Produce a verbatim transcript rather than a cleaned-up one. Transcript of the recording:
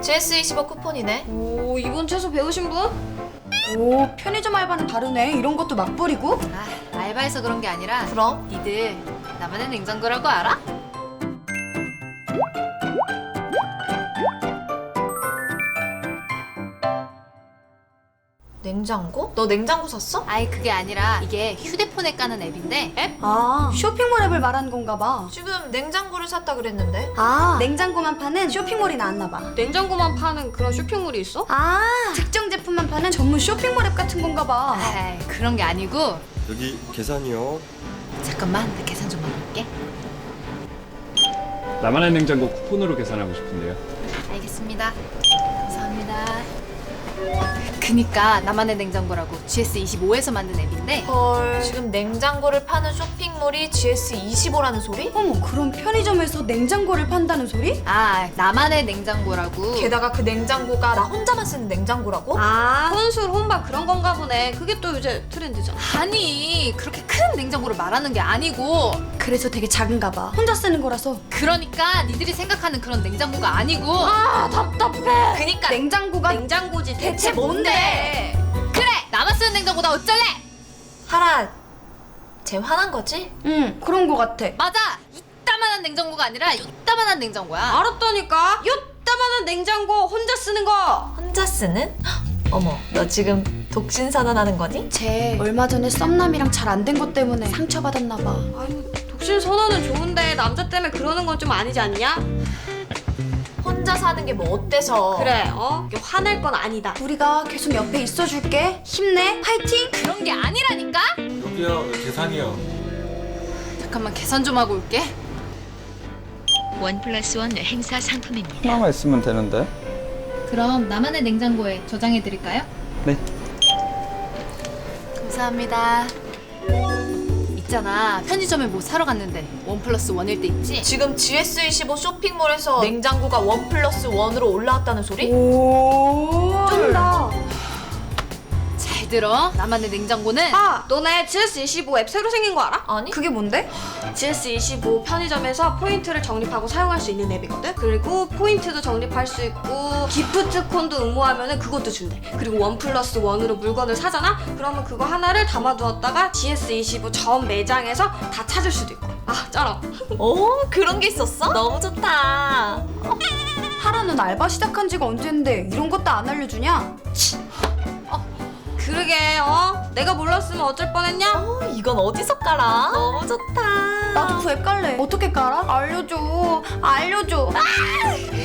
지에스 이십오 쿠폰이네. 오, 이번 채소 배우신 분? 오, 편의점 알바는 다르네. 이런 것도 막 뿌리고? 아, 알바해서 그런 게 아니라 그럼? 니들 나만의 냉장고라고 알아? 냉장고? 너 냉장고 샀어? 아이 그게 아니라 이게 휴대폰에 까는 앱인데 앱? 아, 쇼핑몰 앱을 말하는 건가 봐. 지금 냉장고를 샀다 그랬는데. 아, 냉장고만 파는 쇼핑몰이 나왔나 봐. 냉장고만 파는 그런 쇼핑몰이 있어? 아, 특정 제품만 파는 전문 쇼핑몰 앱 같은 건가 봐. 아이 그런 게 아니고 여기 계산이요. 잠깐만 나 계산 좀 해볼게. 나만의 냉장고 쿠폰으로 계산하고 싶은데요. 알겠습니다. 감사합니다. 그니까 나만의 냉장고라고 지에스 이십오에서 만든 앱인데 헐. 지금 냉장고를 파는 쇼핑몰이 지에스 이십오라는 소리? 어머, 그럼 편의점에서 냉장고를 판다는 소리? 아 나만의 냉장고라고. 게다가 그 냉장고가 나 혼자만 쓰는 냉장고라고? 아 혼술 혼밥 그런 건가 보네. 그게 또 요새 트렌드잖아. 아니 그렇게 큰 냉장고를 말하는 게 아니고 그래서 되게 작은가 봐. 혼자 쓰는 거라서. 그러니까 니들이 생각하는 그런 냉장고가 아니고 아 답답해. 그니까 냉장고가 냉장고지 대체 뭔데? 그래 나만 쓰는 냉장고다 어쩔래? 하라. 쟤 화난 거지? 응, 그런 거 같아. 맞아 이따만한 냉장고가 아니라 이따만한 냉장고야. 알았다니까. 요따만한 냉장고 혼자 쓰는 거. 혼자 쓰는? 헉, 어머, 너 지금 독신선언하는 거니? 쟤 얼마 전에 썸남이랑 잘 안 된 것 때문에 상처받았나 봐. 아유 독신 선언은 좋은데 남자 때문에 그러는 건 좀 아니지 않냐? 혼자 사는 게 뭐 어때서? 그래 어? 이게 화낼 건 아니다. 우리가 계속 옆에 있어줄게. 힘내, 파이팅! 그런 게 아니라니까? 여기요, 계산이요. 잠깐만 계산 좀 하고 올게. 원 플러스 원 행사 상품입니다. 하나만 있으면 되는데. 그럼 나만의 냉장고에 저장해 드릴까요? 네. 감사합니다. 있잖아 편의점에 뭐 사러 갔는데 원 플러스 원일 때 있지? 지금 지에스 이십오 쇼핑몰에서 냉장고가 원 플러스 원으로 올라왔다는 소리? 오, 쩐다. 잘 들어 나만의 냉장고는 아 너네 지에스 이십오 앱 새로 생긴 거 알아? 아니? 그게 뭔데? 지에스 이십오 편의점에서 포인트를 적립하고 사용할 수 있는 앱이거든? 그리고 포인트도 적립할 수 있고 기프트콘도 응모하면 그것도 준대. 그리고 원 플러스 원으로 물건을 사잖아? 그러면 그거 하나를 담아두었다가 지에스 이십오 전 매장에서 다 찾을 수도 있고. 아 쩔어. 오, 그런 게 있었어? 너무 좋다. 하라는 알바 시작한 지가 언젠데 이런 것도 안 알려주냐? 그러게 어? 내가 몰랐으면 어쩔 뻔했냐? 어, 이건 어디서 깔아? 너무 좋다. 나도 그 앱 깔래. 어떻게 깔아? 알려줘. 알려줘.